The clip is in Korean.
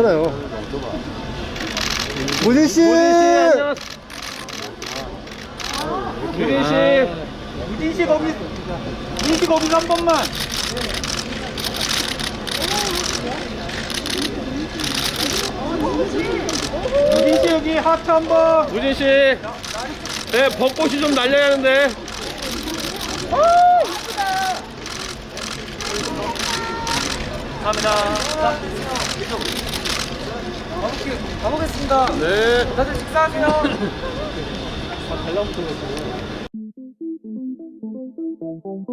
괜찮아요. 무진씨! 안녕하세요. 무진씨 거기서 한 번만. 무진씨 여기 하트 한 번. 무진씨, 네, 벚꽃이 좀 날려야 하는데. 감사합니다. 가보겠습니다. 네. 다들 식사하세요. 잘 나오면